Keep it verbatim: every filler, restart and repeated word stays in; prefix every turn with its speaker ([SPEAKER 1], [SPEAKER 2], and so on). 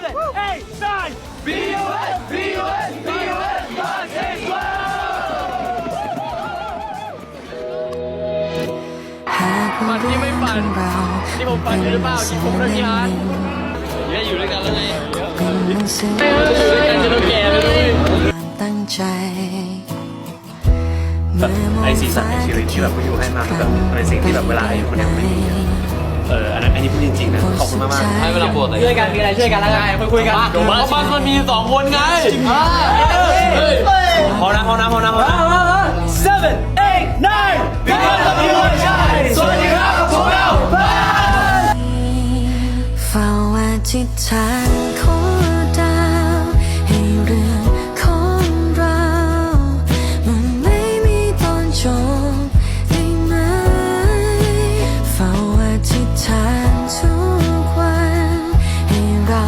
[SPEAKER 1] seven, eight, nine. B U S, B U S, B U S, God is love.
[SPEAKER 2] ฝันที่ไม่ฝันที่ผมฝันอยู่หรือเปล่าที่ผมเลิกงานเนี่ยอยู่ด้วยกันแล้วไงเอออยู่ด้วยกันจนเราแก่แล้วด้วย
[SPEAKER 3] ตั้งใจ
[SPEAKER 4] แบบไอซีซั่นในชีวิตที่แบบกูอยู่ให้มาคือแบบเป็นสิ่งที่แบบเวลาอยู่คนเดียวไม่มีเอออันนั้นอันนี้พูดจริงๆนะขอบคุณมากๆ
[SPEAKER 2] ให้เวลาปวดเลย
[SPEAKER 1] ช่วยกันมีอะไรช่วยกันแล้วไงคุยคุยกัน
[SPEAKER 2] เพราะมันมันมีสองคนไง
[SPEAKER 4] พอนะพอนะพอนะพอนะ
[SPEAKER 1] seven, eight, nine. Because of you I shine. สวัสดีครับพวกเรา
[SPEAKER 3] เฝ้าอธิษฐานขอ